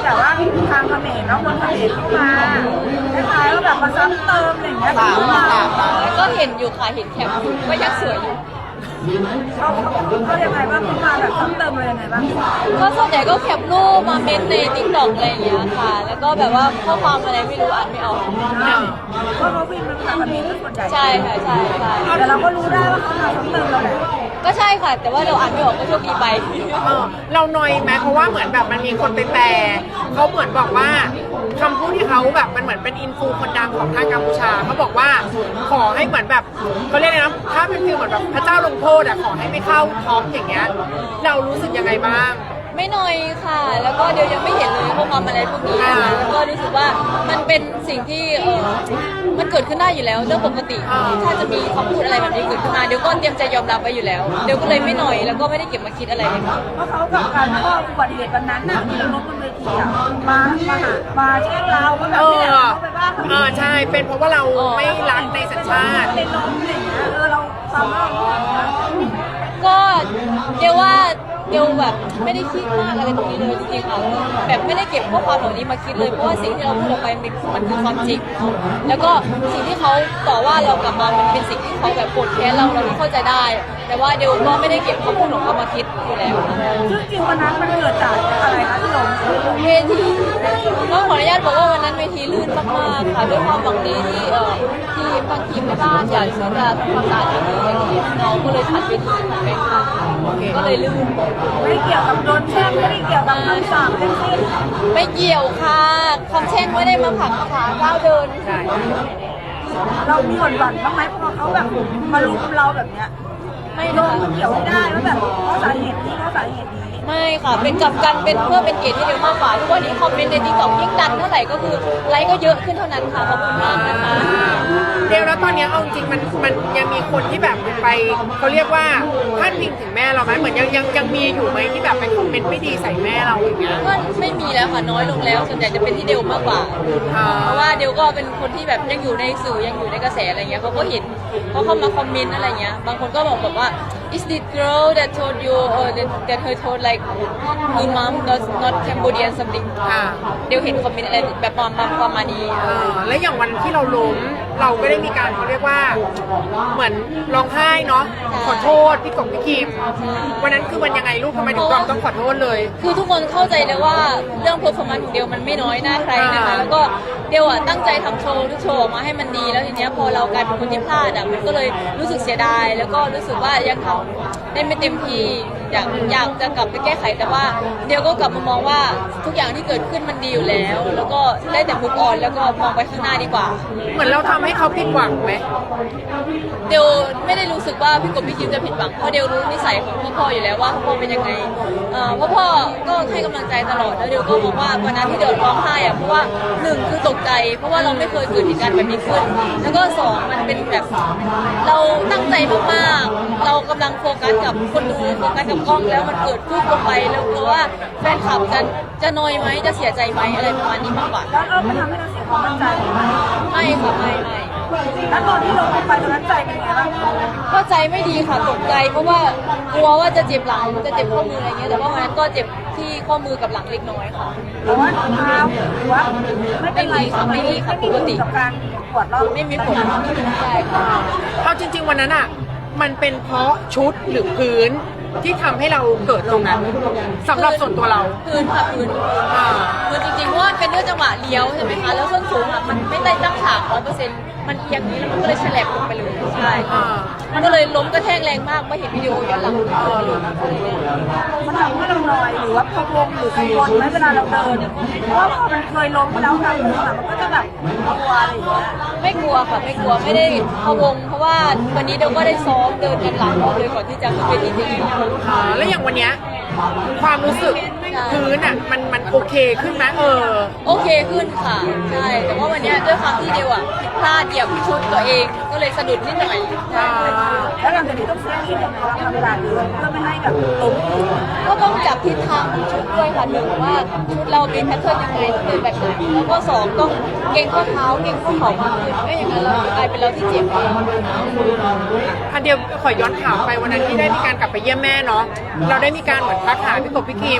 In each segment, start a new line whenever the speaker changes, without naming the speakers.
แบบว่าทางเขมรเนาะคนเขมรเข้ามาคล้ายๆว่าแบบมาซ้ำเติมอะไรอย่างเงี้ย
ก็เห็นอยู่ค่ะเห็นแคปอยู่ก็ยังสวยอยู่
เขายังไงบ้างเขามาแบบซ้ำเติมอะไรยังไงบ้าง
ก็ส่วนใหญ่ก็แคปรูปมาเมนในติ๊กต็อกอะไรอย่างเงี้ยค่ะ แล้วก็แบบว่าข้อความอะไรไม่รู้อ่านไม่ออก
เพราะเขาพิมพ์เป็นภาษาเขมรส่วนใหญ่
ใช่ค่ะใช่
แต่เราก็รู้ได้ว่าเขามาซ้ำเติมเราแหละ
ก็ใช่ค่ะแต่ว่าเราอ่านไม่ออกก็โชคดีไป
เราหน่อยไหมเพราะว่าเหมือนแบบมันมีคนไปแปลเขาเหมือนบอกว่าคำพูดที่เขาแบบมันเหมือนเป็นอินฟูคนดังของทางกัมพูชาเขาบอกว่าขอให้เหมือนแบบเขาเรียกนะถ้าเป็นฟีลเหมือนแบบพระเจ้าลงโทษขอให้ไม่เข้าท็อปอย่างเงี้ยเรารู้สึกยังไงบ้าง
ไม่น้อยค่ะแล้วก็เดี๋ยวยังไม่เห็นเลยข้อความอะไรพวกนี้นะคะแล้วก็รู้สึกว่ามันเป็นสิ่งที่มันเกิดขึ้นได้อยู่แล้วเรื่องปกติถ้าจะมีคำพูดอะไรแบบนี้เกิดขึ้นมาเดี๋ยวก็เตรียมใจยอมรับไว้อยู่แล้วเดี๋ยวก็เลยไม่น้อยแล้วก็ไม่ได้เก็บมาคิดอะไรเลยค่ะ
เพราะเขากับการข้ออุบัติเหตุวันนั้นน่ะที่เราล้มบนเวทีมาแช่งเราก็แบบนี้แหละเขาไปบ้า
ใช่เป็นเพราะว่าเราไม่รักในสัญชาติ
ในล้มอะไรอย่างเงี้ยเราทำแล้ว
ก็เดี๋ยวว่าเดี๋ยวแบบไม่ได้คิดมากอะไรตรงนี้เลยจริงๆค่ะแบบไม่ได้เก็บข้อความเหล่านี้มาคิดเลยเพราะว่าสิ่งที่เราพูดออกไปมันคือความจริงแล้วก็สิ่งที่เขาต่อว่าเรากลับมามันเป็นสิ่งที่เขาแบบโกรธแค้นเราเข้าใจได้แต่ว่าเดี๋ยวก็ไม่ได้เก็บคำพูดของเขามาคิดอยู่แล้ว
ซึ่งจริงวันนั้นมันเกิดจากอะไรคะที่ลง
เวทีก็ขออนุญาตบอกว่าวันนั้นเวทีลื่นมากๆค่ะด้วยความหวังดีที่บางทีมในบ้านอยากจะทำความสะอาดที่นี่อย่างเงี้ยน้องก็เลยผัดเวทีผัดไปค่ะก็เลยลื่น
ไม่เกี่ยวกับโดนแช่งไม่ได้เกี่ยวกับคำสั่งทั้งสิ้น
ไม่เกี่ยวค่ะคำแช่งไม่ได้มาผลักขาก้าวเดิน
เรามีหวั่นบ้างไหมเพราะเขาแบบมาลุมเราแบบเนี้ย
ไม่
ลงเกี่ยวไม่ได้ว่าแบบเพราะสาเหตุนี้เพราะสาเหตุนี้
ไม่ค่ะเป็นกลับกันเป็นเพื่อเป็นเกียรติที่เดียวมากกว่าทุกวันนี้คอมเมนต์ในติ๊กต็อกยิ่งดันเท่าไหร่ก็คือไลค์ก็เยอะขึ้นเท่านั้นค่ะขอบคุณมากนะคะ
เดี๋ยวแล้วตอนนี้เอาจริงมันยังมีคนที่แบบไปเขาเรียกว่าพาดพิงถึงแม่เราไหมเหมือนยังมีอยู่ไหมที่แบบไปคอมเมนต์ไม่ดีใส่แม่เราอย่างเงี้ย
ก็ไม่มีแล้วค่ะน้อยลงแล้วส่วนใหญ่จะเป็นที่เดียวมากกว่าเพราะว่าเดียวก็เป็นคนที่แบบยังอยู่ในสื่อยังอยู่ในกระแสอะไรเงี้ยเขาก็เห็นเขาเข้ามาคอมเมนต์อะไรเงี้ยบางคนก็บอกแบบว่า is this girl that told you or that her told like your mom not Cambodian something เดี๋ยวเห็นคอมเมนต์อะไรแบบประมาณนี้
แล้วอย่างวันที่เราล้มเราก็ได้มีการเขาเรียกว่าเหมือนร้องไห้เนาะขอโทษพี่กบพี่คิมวันนั้นคือมันยังไงลูกทำไมถึงต้องขอโทษเลย
คือทุกคนเข้าใจเลยว่าเรื่องเพอร์ฟอร์แมนซ์ของเดียวมันไม่น้อยหน้าใครนะคะแล้วก็เดียวตั้งใจทำโชว์ทุกโชว์ออกมาให้มันดีแล้วทีเนี้ยพอเรากลายเป็นคนที่พลาดมันก็เลยรู้สึกเสียดายแล้วก็รู้สึกว่ายังทำได้ไม่เต็มที่อยากจะกลับไปแก้ไขแต่ว่าเดียวก็กลับมามองว่าทุกอย่างที่เกิดขึ้นมันดีอยู่แล้วแล้วก็ได้แต่มุกออนแล้วก็มองไปข้างหน้าดีกว่า
เหมือนเราทำให้เขาผิดหวังไหม
เดียวไม่ได้รู้สึกว่าพี่กบพี่คิมจะผิดหวังเพราะเดียวรู้นิสัยของพ่ออยู่แล้วว่าพ่อเป็นยังไงพ่อก็ให้กำลังใจตลอดแล้วเดียวก็บอกว่าวันนั้นที่เดียวร้องไห้เพราะว่า1คือตกใจเพราะว่าเราไม่เคยเกิดเหตุการณ์แบบนี้ขึ้นแล้วก็2มันเป็นแบบเราตั้งใจมากๆเรากำลังโฟกัสกับคนดูโฟกัสกับกล้องแล้วมันเกิดขึ้นลงไปแล้วกลัวว่าแฟนคลับจะนอยไหมจะเสียใจไหมอะไรประมาณนี้มากกว่า
แล้วมันทำให้เราเสียความมั่นใจไหม
ไม่ค่ะไม่
แล้วตอนที่ลงไปตอนนั้นใจเป็นไงบ้าง
ก็ใจไม่ดีค่ะตกใจเพราะว่ากลัวว่าจะเจ็บหลังจะเจ็บข้อมืออะไรเงี้ยแต่ว่าวันนั้นก็เจ็บที่ข้อมือกับหลังเล็กน้อยค่ะ
แต่ว่าเท้าหรือว่าไม่เป็นไรค่ะ
ไม่มีค่ะปกติ
กับการปวดรอบ
ไม่มีผลใช่ค่ะ
เอาจริงๆวันนั้นมันเป็นเพราะชุดหรือพื้นที่ทำให้เราเกิดตรงนั้นสำหรับส่วนตัวเรา
พื้นค่ะพื้นจริงๆเพราะว่าเป็นเรื่องจังหวะเลี้ยวใช่ไหมคะแล้วส้นสูงมันไม่ได้ตั้งฉาก100%มันเอียงนี้แล้วมันก็เลยแฉลบลงไปเลยใช่มันก็เลยล้มกระแทกแรงมากไม่เห็นวิดีโอย้อนหลัง
มันทำให้เราลอยหรือว่าพะวงหรือกังวลไหมเวลาเราเดินเพราะว่าพอมันเคยล้มมาแล้วค่ะมันก็จะแบบกลัวอะไรอย่างเงี้ย
ไม่กลัวค่ะไม่กลัวไม่ได้พะวงเพราะว่าวันนี้เราก็ได้ซ้อมเดินกันหลายรอบเลยก่อนที่จะขึ้นเวทีจริง
แล้วอย่างวันนี้ความรู้สึกพื้นมันโอเคขึ้นไหม
โอเคขึ้นค่ะใช่แต่ว่าวันนี้ด้วยความที่เดียวผิดพลาดเหยียบชุดตัวเองก็เลยสะดุดนิดหน่อย
แล้วหลังจากนี้ต้องเซฟที่ยังไงบ้างเวลาเดินเพื่อไม่ให้แบบล้ม
ก็ต้องจับทิศทางชุดด้วยค่ะ1ว่าชุดเราเป็นแพทเทิร์นยังไงเดินแบบไหนแล้วก็2ต้องเก่งข้อเท้าเก่งข้อเข่ามาขึ้นไม่อย่างนั้นเรากลายเป็นเราที่เจ็บเอง
เดียวขอย้อนถามไปวันนั้นที่ได้มีการกลับไปเยี่ยมแม่เนาะเราได้มีการเหมือนทักหาพี่กบพี่คิมบอก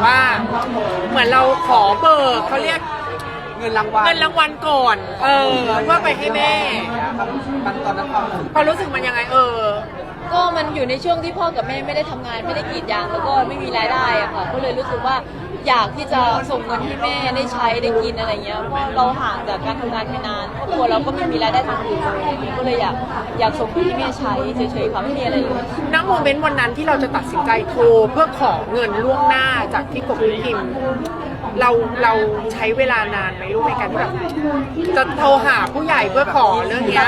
ว่า เหมือนเราขอเบิกเขาเรียก
เงินรางวัล
เงินรางวัลก่อน เพื่อไปให้แม่
มันตอนนั้น
ความรู้สึกมันยังไง
ก็มันอยู่ในช่วงที่พ่อกับแม่ไม่ได้ทำงานไม่ได้กรีดยางแล้วก็ไม่มีรายได้อะค่ะก็เลยรู้สึกว่าอยากที่จะส่งเงินให้แม่ได้ใช้ได้กินอะไรเงี้ยเพราะเราห่างจากการทำงานไปนานครอบครัวเราก็ไม่มีรายได้ทางอื่นเลยก็เลยอยากส่งเงินให้แม่ใช้เฉยๆค่ะไม่มีอะไรเลย
ณโมเมนต์วันนั้นที่เราจะตัดสินใจโทรเพื่อขอเงินล่วงหน้าจากที่กบพิมพ์เราใช้เวลานานไหมลูกในการที่แบบจะโทรหาผู้ใหญ่เพื่อขอเรื่องเนี้ย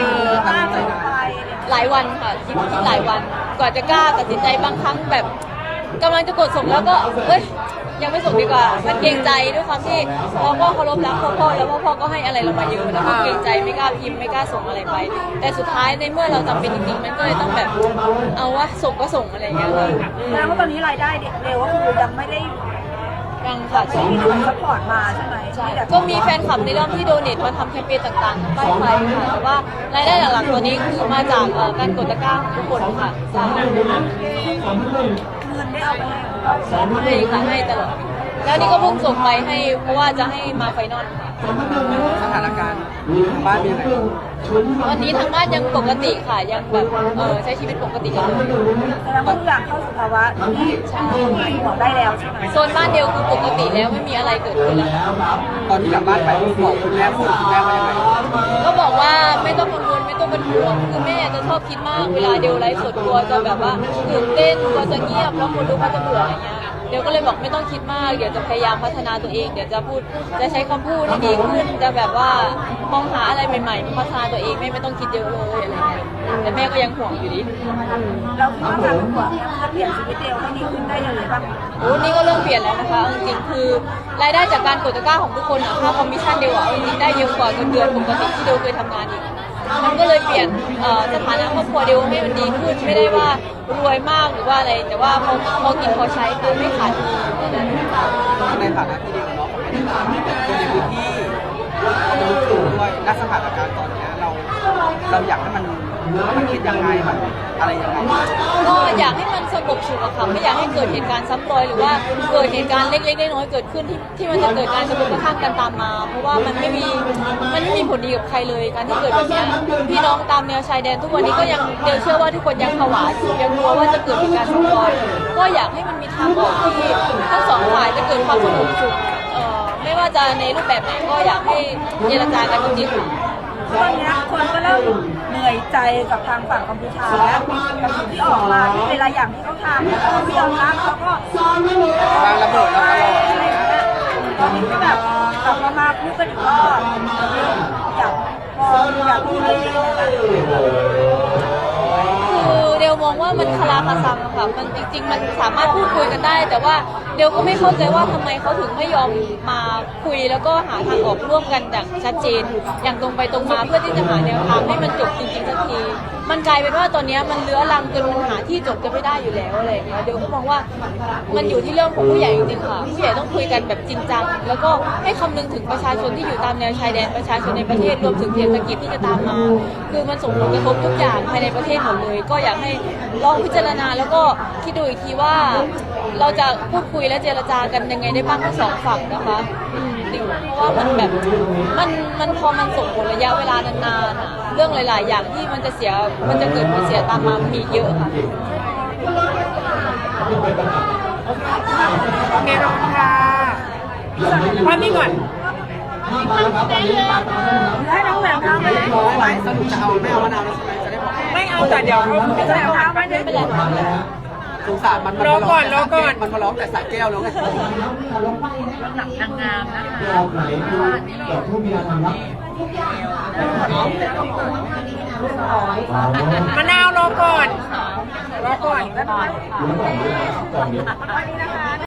หลายวันค่ะคิดหลายวันกว่าจะกล้าตัดสินใจบางครั้งแบบกำลังจะกดส่งแล้วก็ยังไม่ส่งดีกว่ามันเกรงใจด้วยความที่เราก็เคารพรักพ่อแล้วพ่อก็ให้อะไรเรามาเยอะแล้วก็เกรงใจไม่กล้าพิมพ์ไม่กล้าส่งอะไรไปแต่สุดท้ายในเมื่อเราจำเป็นจริงๆมันก็เลยต้องแบบเอาวะส่งก็ส่งอะไรอย่างเงี้ยเลย
แสดงว่าตอนนี้รายได้เร็วก็คือยังไม่ได้
ค่ะ
ไม่มีคนซัพพอร์ตมาใช่ไหม
ใช่ก็มีแฟนคลับในเรื่องที่โดเนทมาทำแคมเปญต่างๆป้ายไฟค่ะแต่ว่ารายได้หลักๆตัวนี้คือมาจากการกดตะกร้าของทุกคนค่ะใช่
เงินได้เอาไป
ให้ค่ะให้ตลอดแล้วนี่ก็เพิ่งส่งไปให้เพราะว่าจะให้มาไฟนอลค่ะ
สถานการณ์บ้านเป็นยังไง
วันนี้ทางบ้านยังปกติค่ะยังแบบใช้ชีวิตปกติกันเลย
แสดงว่าทุกอย่างเข้าสู่ภาวะที่บอกได้แล้วใช่ไหม
โซนบ้านเดียวคือปกติแล้วไม่มีอะไรเกิดขึ้นแล้ว
ตอนที่กลับบ้านไปบอกคุณแม่ว่ายังไง
ก็บอกว่าไม่ต้องกังวลไม่ต้องเป็นห่วงคือแม่จะชอบคิดมากเวลาเดียวไลฟ์สดกลัวจะแบบว่าตื่นเต้นกลัวจะเงียบแล้วคนดูเขาจะเบื่ออะไรเงี้ยเดี๋ยวก็เลยบอกไม่ต้องคิดมากเดี๋ยวจะพยายามพัฒนาตัวเองเดี๋ยวจะพูดจะใช้คำพูดที่ดีขึ้นจะแบบว่ามองหาอะไรใหม่ๆพัฒนาตัวเองไม่ต้องคิดเยอะเลยอะไรเงี้ยแต่แม่ก็ยังห่วงอยู่ดี
เราคิดว่าการห่วงเนี่ยจะเปลี่ยนชีวิตเดียวให้ดีขึ้นได้ยังไงบ้าง
โอ้นี่ก็เริ่มเปลี่ยนแล้วนะคะจริงๆคือรายได้จากการกดตะกร้าของทุกคนอะค่าคอมมิชชั่นเดียวจริงได้เยอะกว่าเงินเดือนปกติที่เดียวเคยทำงานอีกมันก็เลยเปลี่ยนสถานะครอบครัวเดียวให้มันดีขึ้นไม่ได้ว่ารวยมากหรือว่าอะไรแต่ว่าพอกินพอใช้คือไม่ขาด
ในฐานะที่เดียวเนาะคนในพื้นที่ด้วยณสถานการณ์ตอนนี้เราอยากให้มันคิดยังไงมันอะไรยังไง
ก็อยากให้มันสงบสุขอะค่ะไม่อยากให้เกิดเหตุการณ์ซ้ำรอยหรือว่าเกิดเหตุการณ์เล็กๆน้อยๆเกิดขึ้นที่มันจะเกิดการกระทบกระทั่งกันตามมาเพราะว่ามันไม่มีผลดีกับใครเลยการที่เกิดแบบนี้พี่น้องตามแนวชายแดนทุกวันนี้ก็ยังเชื่อว่าทุกคนยังผวาอยู่ยังกลัวว่าจะเกิดเหตุการณ์ซ้ำรอยก็อยากให้มันมีทางออกที่ทั้งสองฝ่ายจะเกิดความสงบสุขไม่ว่าจะในรูปแบบไหนก็อยากให้เจรจากันจริงๆ
ตอนนี้คนก็เริ่มเหนื่อยใจกับทางฝั่งกัมพูชาแล้วกับสิ่งที่ออกมาที่เวลาอย่างที่เขาทำแล้วเขาไม่ยอมรับเขาก็
วางระเบิดแล้วตลอด
ตอนนี้ก็แบบกลับมาพูดกันอีกรอบอยากพูดเลย
คือเดลมองว่ามันคลาคาซังค่ะมันจริงๆมันสามารถพูดคุยกันได้แต่ว่าเดลก็ไม่เข้าใจว่าทำไมเขาถึงไม่ยอมมาคุยแล้วก็หาทางออกร่วมกันอย่างชัดเจนอย่างตรงไปตรงมาเพื่อที่จะหาแนวทางให้มันจบจริงๆสักทีมันกลายเป็นว่าตอนนี้มันเลื้อรังจนมันหาที่จบกันไม่ได้อยู่แล้วอะไรอย่างเงี้ยเดลก็มองว่ามันอยู่ที่เรื่องของผู้ใหญ่จริงๆค่ะผู้ใหญ่ต้องคุยกันแบบจริงจังแล้วก็ให้คำนึงถึงประชาชนที่อยู่ตามแนวชายแดนประชาชนในประเทศรวมถึงเศรษฐกิจที่จะตามมาคือมันส่งผลกระทบทุกอย่างภายในประเทศหมดเลยก็อยากให้ลองพิจารณาแล้วก็คิดดูอีกทีว่าเราจะพูดคุยและเจรจากันยังไงได้บ้างทั้งสองฝั่งนะคะเพราะว่ามันแบบมันพอมันส่งผลระยะเวลานานๆอ่ะเรื่องหลายๆอย่างที่มันจะเกิดผลเสียตามมามีเยอะค่ะ
โอเคขอบคุณค่ะพักนี้ก่อน
ให้น้องแหม่มทำไปไหน
สรุปจะเอาไม่เอามะนาวแล้วใช่ไหมจะได้บอก
ไม่เอาแต่เดี๋ยวเขา
ไม่ใช่เอาไม่ได้เป็นไร
สงสารมัน
รอก่อน
มันมาร้องแต่สายแก้วแล้วไง
หนังนางงามนะคะ
มะนาวรอก่อน
วันนี้นะคะ